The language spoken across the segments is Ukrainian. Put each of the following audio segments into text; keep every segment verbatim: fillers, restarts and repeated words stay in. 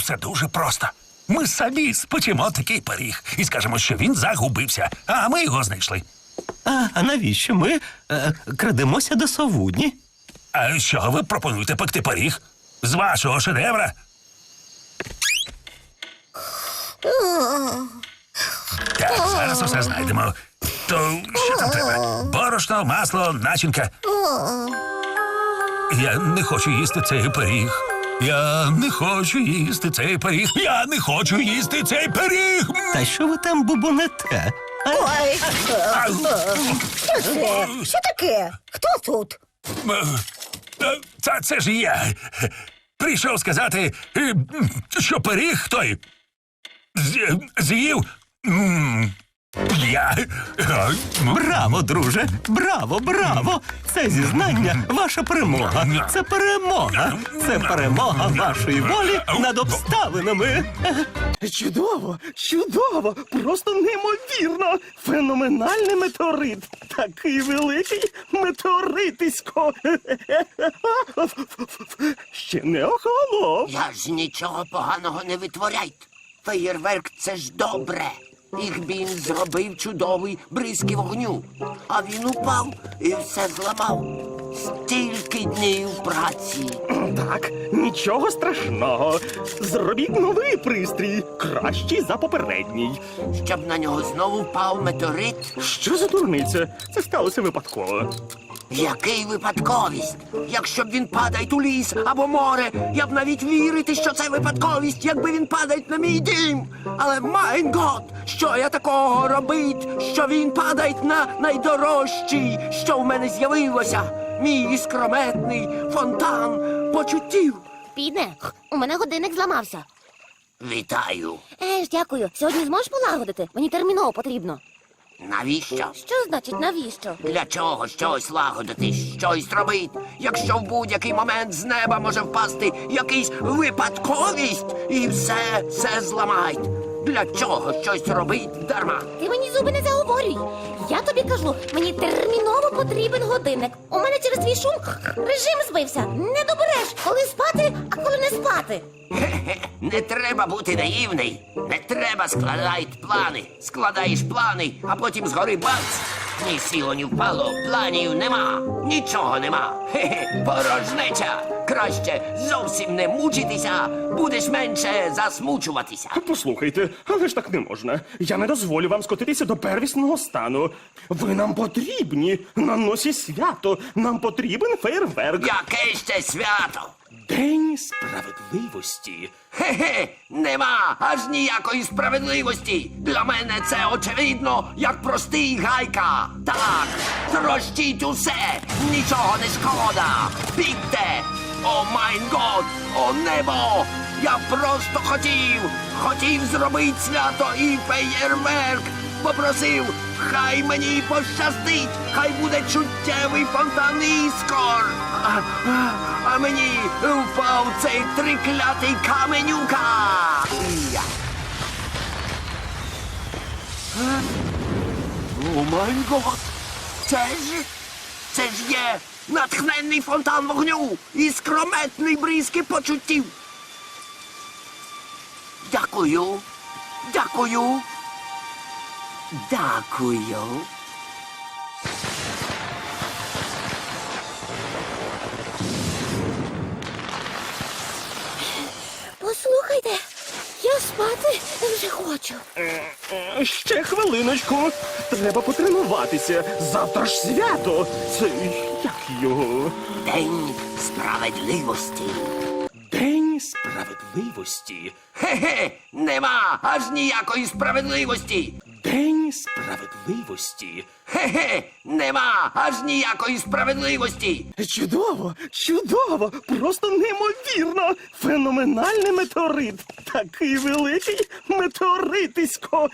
все дуже просто. Ми самі спечемо такий пиріг і скажемо, що він загубився, а ми його знайшли. А, а навіщо ми е, крадемося до совудні? А що ви пропонуєте пекти пиріг? З вашого шедевра? Так, зараз усе знайдемо. То що там треба? Борошно, масло, начинка. Я не хочу їсти цей пиріг. Я не хочу їсти цей пиріг. Я не хочу їсти цей пиріг. Та що ви там бубонете? Ой, А, що це? Що таке? Хто тут? е, Та це ж я. Прийшов сказати, е, що пиріг той з- з'їв. м, Я. е, м, Браво, друже! Браво, браво! Це зізнання ваша перемога. Це перемога. Це перемога вашої волі над обставинами. Чудово, чудово, просто неймовірно. Феноменальний метеорит. Такий великий метеоритисько. Ще не охолонув. Я ж нічого поганого не витворяйте. Феєрверк — це ж добре. Їх він зробив чудовий бризки вогню. А він упав і все зламав. Стільки днів праці. Так, нічого страшного. Зробіть новий пристрій, кращий за попередній. Щоб на нього знову впав метеорит. Що за дурниця? Це сталося випадково. Який випадковість? Якщо б він падає у ліс або море, я б навіть вірити, що це випадковість, якби він падає на мій дім. Але, майн гот, що я такого робить, що він падає на найдорожчий, що в мене з'явилося? Мій іскрометний фонтан почуттів. Підне, у мене годинник зламався. Вітаю. Е ж, дякую. Сьогодні зможеш полагодити? Мені терміново потрібно. Навіщо? Що значить навіщо? Для чого щось лагодити, щось робити, якщо в будь-який момент з неба може впасти якийсь випадковість і все, все зламають? Для чого щось робить дарма? Ти мені зуби не заговорюй. Я тобі кажу, мені терміново потрібен годинник. У мене через твій шум режим збився. Не добереш, коли спати, а коли не спати. Хе-хе, не треба бути наївний. Не треба складати плани. Складаєш плани, а потім згори бац. Ні сіло, ні впало, планів нема. Нічого нема. Хе-хе, порожнеча. Краще зовсім не мучитися, будеш менше засмучуватися. Послухайте, але ж так не можна. Я не дозволю вам скотитися до первісного стану. Ви нам потрібні на носі свято. Нам потрібен фейерверк. Яке ще свято? День справедливості. Хе-хе, нема аж ніякої справедливості. Для мене це очевидно, як простий гайка. Так, трощіть усе, нічого не шкода. Бігте! О майн год, о небо! Я просто хотів, хотів зробити свято і феєрверк. Попросив, хай мені пощастить, хай буде чуттєвий фонтан іскор. А, а, а мені впав цей триклятий каменюка. Я. Е? О май гот! Це ж, це ж є натхненний фонтан вогню і скрометний бризки почуттів. Дякую, дякую. Дякую. Послухайте, я спати вже хочу. Е, Ще хвилиночку. Треба потренуватися. Завтра ж свято. Це як його? День справедливості. День справедливості. Хе-хе, нема аж ніякої справедливості. День справедливості. Хе-хе, нема аж ніякої справедливості. Чудово, чудово, просто неймовірно. Феноменальний метеорит. Такий великий метеоритисько.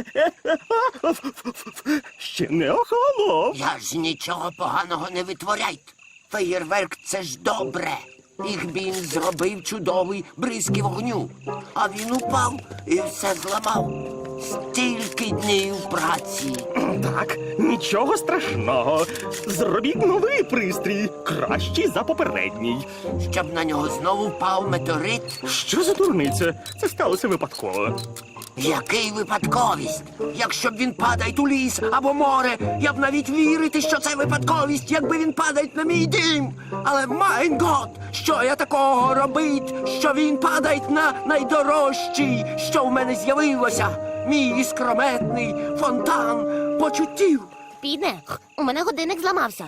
Ще не охолонув. Я ж нічого поганого не витворяйте. Феєрверк — це ж добре. Їх він зробив чудовий бризки вогню. А він упав і все зламав. Стільки днів праці. Так, нічого страшного. Зробіть новий пристрій, кращий за попередній. Щоб на нього знову впав метеорит. Що за дурниця? Це сталося випадково. Який випадковість? Якщо б він падає у ліс або море, я б навіть вірити, що це випадковість, якби він падає на мій дім. Але майн гот, що я такого робить, що він падає на найдорожчий, що в мене з'явилося, мій іскрометний фонтан почуттів. Піде, у мене годинник зламався.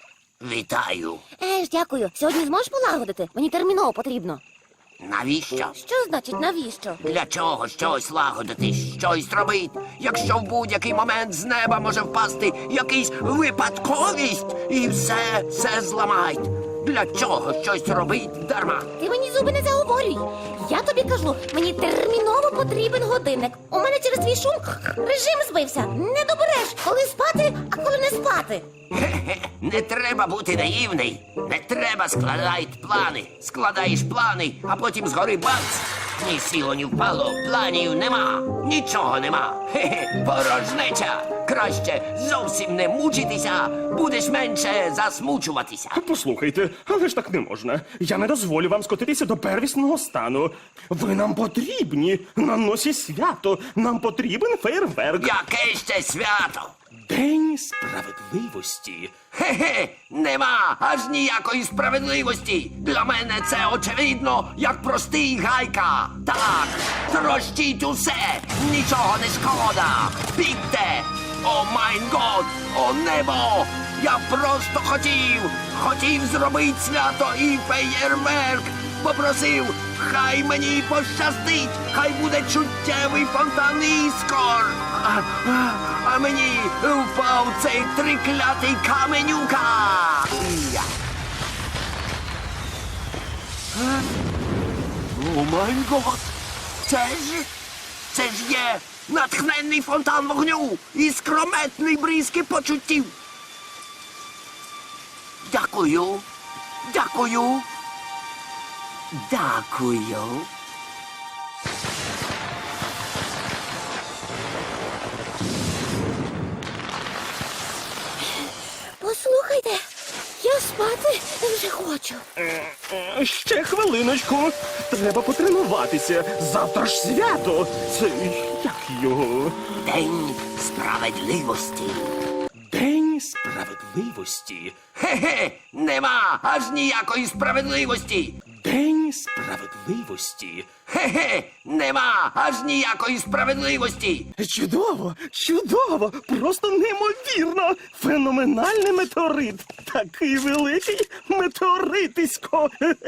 Вітаю. Еж, дякую. Сьогодні зможеш полагодити? Мені терміново потрібно. Навіщо? Що значить навіщо? Для чого щось лагодити, щось робити, якщо в будь-який момент з неба може впасти якийсь випадковість і все, все зламають. Для чого щось робить дарма? Ти мені зуби не заговорюй. Я тобі кажу, мені терміново потрібен годинник. У мене через твій шум режим збився. Не добереш, коли спати, а коли не спати. Хе-хе, не треба бути наївний. Не треба складати плани. Складаєш плани, а потім згори бац. Ні сіло, ні впало, планів нема. Нічого нема. Хе-хе, порожнеча. Краще зовсім не мучитися, будеш менше засмучуватися. Послухайте, але ж так не можна. Я не дозволю вам скотитися до первісного стану. Ви нам потрібні. На носі свято. Нам потрібен фейерверк. Яке ще свято? День справедливості. Хе-хе, нема аж ніякої справедливості. Для мене це очевидно, як простий гайка. Так, трощіть усе, нічого не шкода. Бігте! О майн год, о небо! Я просто хотів, хотів зробити свято і феєрверк. Попросив, хай мені пощастить, хай буде чуттєвий фонтан іскор. А, а, а мені впав цей триклятий каменюка. Я. А? О май гот! Це ж, це ж є натхненний фонтан вогню і скрометний бризки почуттів. Дякую, дякую. Дякую. Послухайте, я спати вже хочу. Е, Ще хвилиночку. Треба потренуватися. Завтра ж свято. Це як його? День справедливості. День справедливості. Хе-хе, нема аж ніякої справедливості. День справедливості. Хе-хе, нема аж ніякої справедливості. Чудово, чудово, просто неймовірно. Феноменальний метеорит. Такий великий метеоритисько.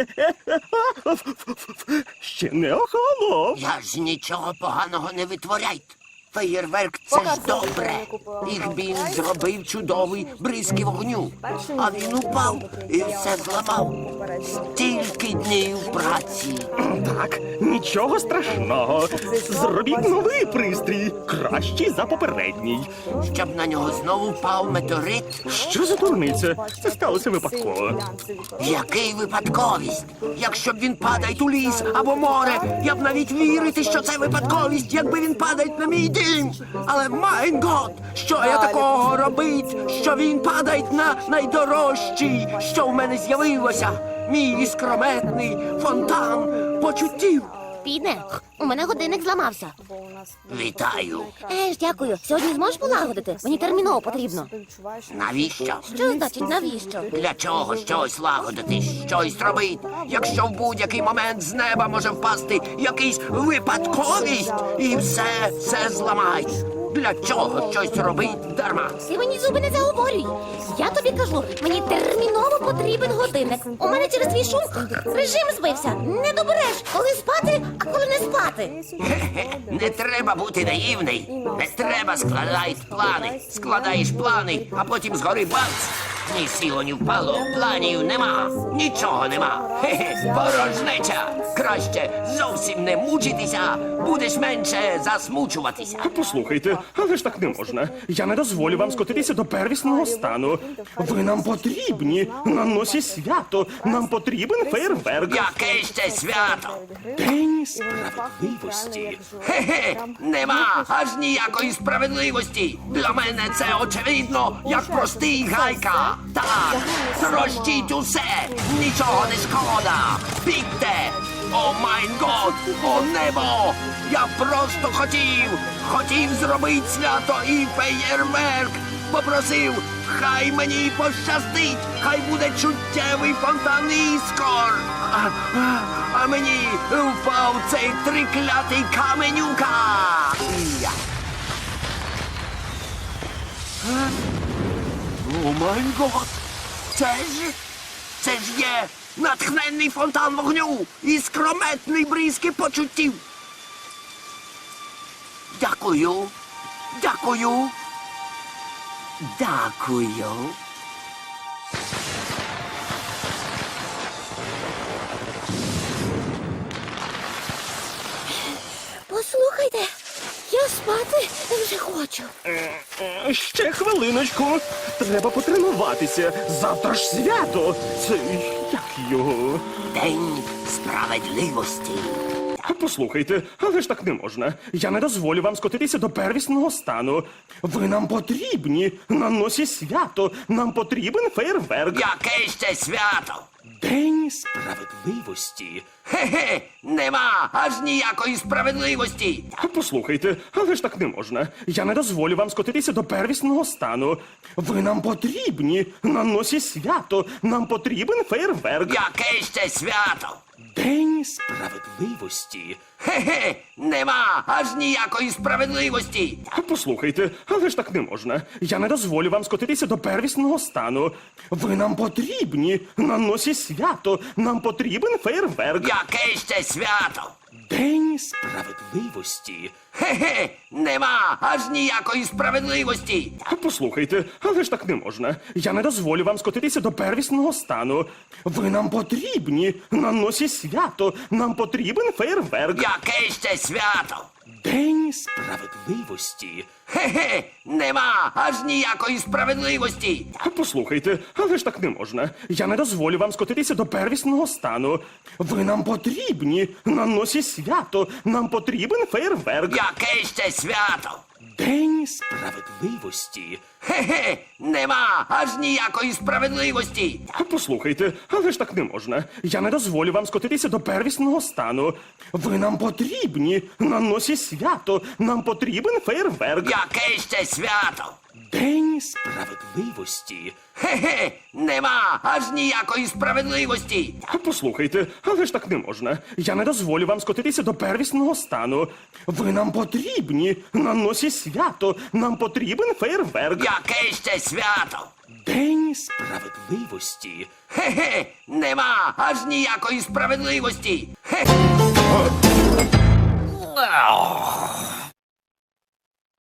Ще не охолонув. Я ж нічого поганого не витворяйте. Феєрверк це ж добре. Їх він зробив чудовий бризки вогню. А він упав і все зламав. Стільки днів праці. Так, нічого страшного. Зробіть новий пристрій, кращий за попередній. Щоб на нього знову впав метеорит. Що за дурниця? Це сталося випадково. Який випадковість? Якщо б він падає у ліс або море, я б навіть вірити, що це випадковість, якби він падає на мій дім. Але майн гот, що я такого робить, що він падає на найдорожчий, що в мене з'явилося, мій іскрометний фонтан почуттів. Піде, у мене годинник зламався. Вітаю. Еж, дякую. Сьогодні зможеш полагодити? Мені терміново потрібно. Навіщо? Що значить навіщо? Для чого щось лагодити, щось робити, якщо в будь-який момент з неба може впасти якийсь випадковість і все, все зламають. Для чого щось робить дарма? Ти мені зуби не заговорюй. Я тобі кажу, мені терміново потрібен годинник. У мене через твій шум режим збився. Не добереш, коли спати, а коли не спати. Хе-хе, не треба бути наївний. Не треба складати плани. Складаєш плани, а потім згори бац. Ні сіло, ні впало, планів нема, нічого нема. Хе-хе, порожнеча. Краще зовсім не мучитися, будеш менше засмучуватися. Послухайте, але ж так не можна. Я не дозволю вам скотитися до первісного стану. Ви нам потрібні на носі свято. Нам потрібен фейерверк. Яке ще свято? День справедливості. Хе-хе, нема аж ніякої справедливості. Для мене це очевидно, як простий гайка. Так, трощіть усе, нічого не шкода. Бігте! О майн год, о небо! Я просто хотів, хотів зробити свято і феєрверк. Попросив, хай мені пощастить, хай буде чуттєвий фонтан іскор. А, а, а мені впав цей триклятий каменюка. Я. Е? О май гот! Це ж, це ж є натхненний фонтан вогню і скрометний бризки почуттів. Дякую, дякую, дякую. Послухайте, я спати вже хочу. Е, Ще хвилиночку. Треба потренуватися. Завтра ж свято. Це як його? День справедливості. Послухайте, але ж так не можна. Я не дозволю вам скотитися до первісного стану. Ви нам потрібні на носі свято. Нам потрібен фейерверк. Яке ще свято? День справедливості. Хе-хе, нема аж ніякої справедливості. Послухайте, але ж так не можна. Я не дозволю вам скотитися до первісного стану. Ви нам потрібні на носі свято. Нам потрібен фейерверк. Яке ще свято? День справедливості. Хе-хе, нема аж ніякої справедливості. Послухайте, але ж так не можна. Я не дозволю вам скотитися до первісного стану. Ви нам потрібні на носі свято. Нам потрібен фейерверк. Яке ще свято? День справедливості. Хе-хе, нема аж ніякої справедливості. Послухайте, але ж так не можна. Я не дозволю вам скотитися до первісного стану. Ви нам потрібні на носі свято. Нам потрібен фейерверк. Яке ще свято? День справедливості. Хе-хе, нема аж ніякої справедливості. Послухайте, але ж так не можна. Я не дозволю вам скотитися до первісного стану. Ви нам потрібні на носі свято. Нам потрібен фейерверк. Яке ще свято? День справедливості. Хе-хе, нема аж ніякої справедливості. Послухайте, але ж так не можна. Я не дозволю вам скотитися до первісного стану. Ви нам потрібні на носі свято. Нам потрібен фейерверк. Яке ще свято? День справедливості. Хе-хе, нема аж ніякої справедливості. Послухайте, але ж так не можна. Я не дозволю вам скотитися до первісного стану. Ви нам потрібні на носі свято. Нам потрібен фейерверк. Яке ще свято? День справедливості. Хе-хе, нема аж ніякої справедливості. Хе.